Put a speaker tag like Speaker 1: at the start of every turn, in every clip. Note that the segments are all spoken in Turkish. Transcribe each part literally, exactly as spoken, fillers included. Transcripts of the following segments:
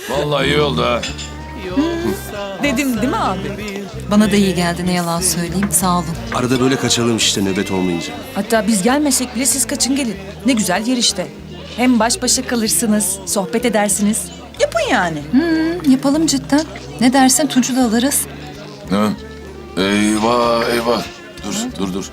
Speaker 1: Vallahi iyi oldu ha.
Speaker 2: Dedim değil mi abi?
Speaker 3: Bana da iyi geldi, ne yalan söyleyeyim. Sağ olun.
Speaker 4: Arada böyle kaçalım işte nöbet olmayınca.
Speaker 2: Hatta biz gelmesek bile siz kaçın gelin. Ne güzel yer işte. Hem baş başa kalırsınız, sohbet edersiniz. Yapın yani.
Speaker 3: Hı, yapalım cidden. Ne dersin, Tunç'u da alırız.
Speaker 1: Ha? Eyvah eyvah. Dur dur dur.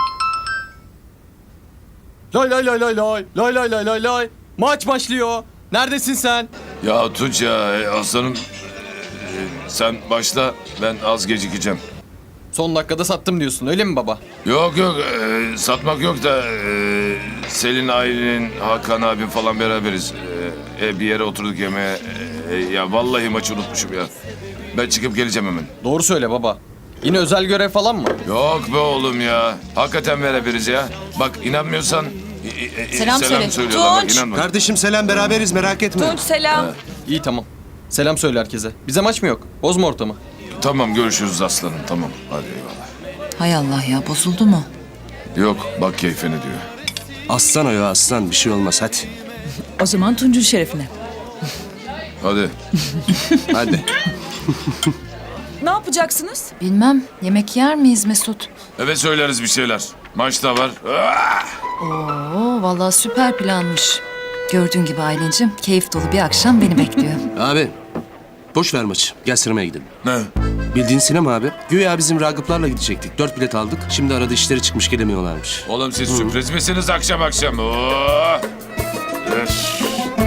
Speaker 5: Lay lay lay lay lay. Lay lay lay lay lay. Maç başlıyor. Neredesin sen?
Speaker 1: Ya Tunç ya e, aslanım. e, sen başla, ben az gecikeceğim.
Speaker 5: Son dakikada sattım diyorsun öyle mi baba?
Speaker 1: Yok yok e, satmak yok da e, Selin, Aylin, Hakan abim falan beraberiz. E, e, bir yere oturduk yemeğe. E, ya vallahi maçı unutmuşum ya. Ben çıkıp geleceğim hemen.
Speaker 5: Doğru söyle baba. Yine özel görev falan mı?
Speaker 1: Yok be oğlum ya. Hakikaten beraberiz ya. Bak inanmıyorsan e, e,
Speaker 3: Selam söyle.
Speaker 1: söylüyorlar. Bak,
Speaker 2: Tunç.
Speaker 1: inanma.
Speaker 4: Kardeşim selam beraberiz merak etme.
Speaker 2: Tunç selam.
Speaker 5: İyi tamam. Selam söyle herkese. Bize maç mı yok? Bozma ortamı.
Speaker 1: Tamam görüşürüz aslanım, tamam. Hadi eyvallah.
Speaker 3: Hay Allah ya, bozuldu mu?
Speaker 1: Yok bak keyfine diyor.
Speaker 4: Aslan o ya aslan bir şey olmaz hadi.
Speaker 2: O zaman Tunç'un şerefine.
Speaker 1: Hadi.
Speaker 4: Hadi.
Speaker 2: Ne yapacaksınız?
Speaker 3: Bilmem, yemek yer miyiz Mesut?
Speaker 1: Evet söyleriz bir şeyler. Maç da var. Ah!
Speaker 3: Oo, vallahi süper planmış. Gördüğün gibi Aylin'cim, keyif dolu bir akşam beni bekliyor.
Speaker 4: Abi boş ver maçı gel sinemaya gidelim.
Speaker 1: Ne?
Speaker 4: Bildiğin sinema abi. Güya bizim Ragıplarla gidecektik. Dört bilet aldık. Şimdi arada işleri çıkmış gelemiyorlarmış.
Speaker 1: Oğlum siz sürpriz misiniz akşam akşam? Oo! Öf!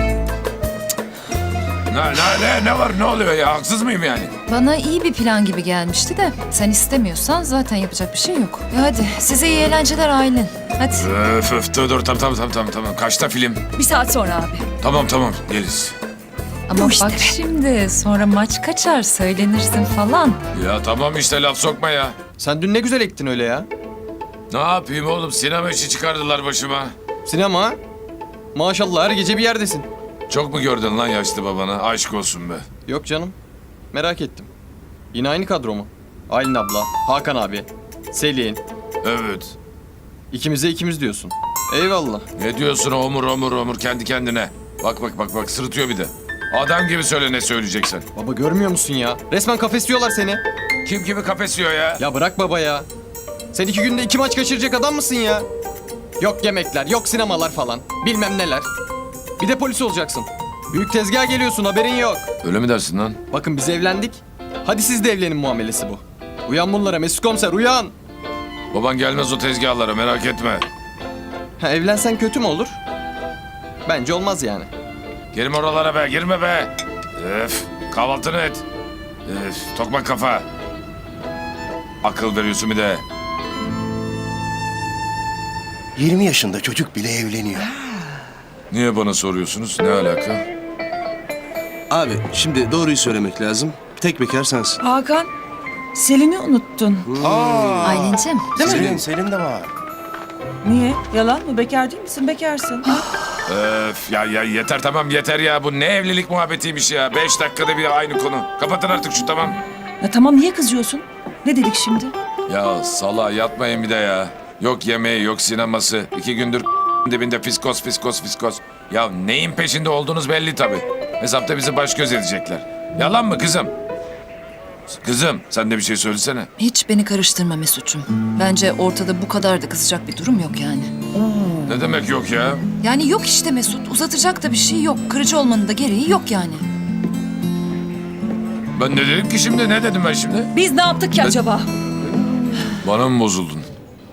Speaker 1: Ne, ne, ne, ne var ne oluyor ya? Haksız mıyım yani?
Speaker 3: Bana iyi bir plan gibi gelmişti de sen istemiyorsan zaten yapacak bir şey yok. Ya hadi size iyi eğlenceler Aylin. Hadi.
Speaker 1: Öf öf dur dur tamam tamam tamam tamam. Kaçta film?
Speaker 2: Bir saat sonra abi.
Speaker 1: Tamam tamam geliriz.
Speaker 3: Ama bak şimdi sonra maç kaçar söylenirsin falan.
Speaker 1: Ya tamam işte laf sokma ya.
Speaker 5: Sen dün ne güzel ektin öyle ya.
Speaker 1: Ne yapayım oğlum, sinema işi çıkardılar başıma.
Speaker 5: Sinema ha? Maşallah her gece bir yerdesin.
Speaker 1: Çok mu gördün lan yaşlı babana? Aşk olsun be.
Speaker 5: Yok canım. Merak ettim. Yine aynı kadro mu? Aylin abla, Hakan abi, Selin.
Speaker 1: Evet.
Speaker 5: İkimize ikimiz diyorsun. Eyvallah.
Speaker 1: Ne diyorsun omur omur omur kendi kendine? Bak bak bak bak sırıtıyor bir de. Adam gibi söyle ne söyleyeceksen.
Speaker 5: Baba görmüyor musun ya? Resmen kafesliyorlar seni.
Speaker 1: Kim kimi kafesiyor ya?
Speaker 5: Ya bırak baba ya. Sen iki günde iki maç kaçıracak adam mısın ya? Yok yemekler, yok sinemalar falan. Bilmem neler. Bir de polis olacaksın. Büyük tezgaha geliyorsun haberin yok.
Speaker 1: Öyle mi dersin lan?
Speaker 5: Bakın biz evlendik. Hadi siz de evlenin muamelesi bu. Uyan bunlara Mesut Komiser uyan.
Speaker 1: Baban gelmez o tezgahlara, merak etme.
Speaker 5: Ha, evlensen kötü mü olur? Bence olmaz yani.
Speaker 1: Girme oralara be, girme be. Öf, kahvaltını et. Öf, tokmak kafa. Akıl veriyorsun bir de.
Speaker 6: yirmi yaşında çocuk bile evleniyor.
Speaker 1: Niye bana soruyorsunuz? Ne alaka?
Speaker 4: Abi şimdi doğruyu söylemek lazım. Tek bekar sensin.
Speaker 2: Hakan, Selin'i unuttun.
Speaker 3: Aylin'cim.
Speaker 6: Selin, Selin de var.
Speaker 2: Niye? Yalan mı? Bekar değil misin? Bekarsın.
Speaker 1: Öf, ya, ya yeter tamam yeter ya. Bu ne evlilik muhabbetiymiş ya. Beş dakikada bir aynı konu. Kapatın artık şu tamam.
Speaker 2: Ya tamam niye kızıyorsun? Ne dedik şimdi?
Speaker 1: Ya sala yatmayın bir de ya. Yok yemeği yok sineması. İki gündür dibinde fiskos fiskos fiskos. Ya neyin peşinde olduğunuz belli tabii. Hesapta bizi baş göz edecekler. Yalan mı kızım? Kızım sen de bir şey söylesene.
Speaker 3: Hiç beni karıştırma Mesut'cum. Bence ortada bu kadar da kızacak bir durum yok yani.
Speaker 1: Ne demek yok ya?
Speaker 3: Yani yok işte Mesut. Uzatacak da bir şey yok. Kırıcı olmanın da gereği yok yani.
Speaker 1: Ben ne dedim ki şimdi? Ne dedim ben şimdi?
Speaker 2: Biz ne yaptık ki acaba?
Speaker 1: Bana mı bozuldun?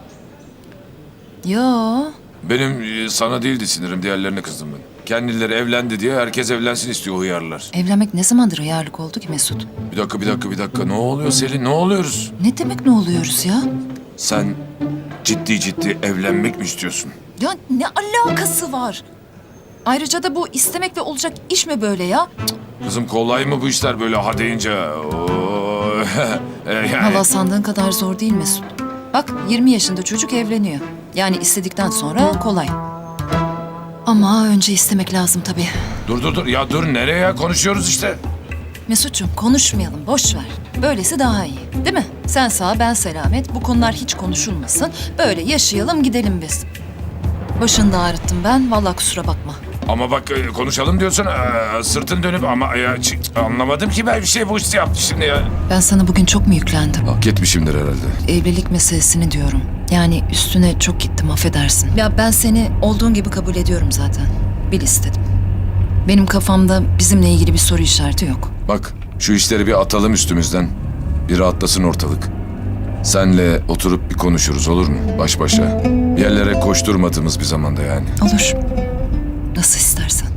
Speaker 3: Yo.
Speaker 1: Benim e, sana değildi sinirim, diğerlerine kızdım ben. Kendileri evlendi diye herkes evlensin istiyor hıyarlar.
Speaker 3: Evlenmek ne zamandır hıyarlık oldu ki Mesut?
Speaker 1: Bir dakika, bir dakika, bir dakika. Ne oluyor Selin? Ne oluyoruz?
Speaker 3: Ne demek ne oluyoruz ya?
Speaker 1: Sen ciddi ciddi evlenmek mi istiyorsun?
Speaker 3: Ya ne alakası var? Ayrıca da bu istemek ve olacak iş mi böyle ya?
Speaker 1: Kızım kolay mı bu işler böyle ha deyince? Oo. E, yani.
Speaker 3: Valla sandığın kadar zor değil Mesut. Bak yirmi yaşında çocuk evleniyor. Yani istedikten sonra kolay. Ama önce istemek lazım tabii.
Speaker 1: Dur dur dur ya dur nereye ya? Konuşuyoruz işte.
Speaker 3: Mesut'cum konuşmayalım, boş ver. Böylesi daha iyi, değil mi? Sen sağ, ben selamet. Bu konular hiç konuşulmasın. Böyle yaşayalım, gidelim biz. Başını da ağrıttım ben. Vallahi kusura bakma.
Speaker 1: Ama bak e, konuşalım diyorsun e, sırtın dönüp ama ya, ç- anlamadım ki ben bir şey bu işte yaptı şimdi ya.
Speaker 3: Ben sana bugün çok mu yüklendim?
Speaker 1: Hak etmişimdir herhalde.
Speaker 3: Evlilik meselesini diyorum. Yani üstüne çok gittim, affedersin. Ya ben seni olduğun gibi kabul ediyorum zaten. Bil istedim. Benim kafamda bizimle ilgili bir soru işareti yok.
Speaker 1: Bak şu işleri bir atalım üstümüzden. Bir rahatlasın ortalık. Senle oturup bir konuşuruz olur mu? Baş başa. Bir yerlere koşturmadığımız bir zamanda yani.
Speaker 3: Olur. Nasıl istersen.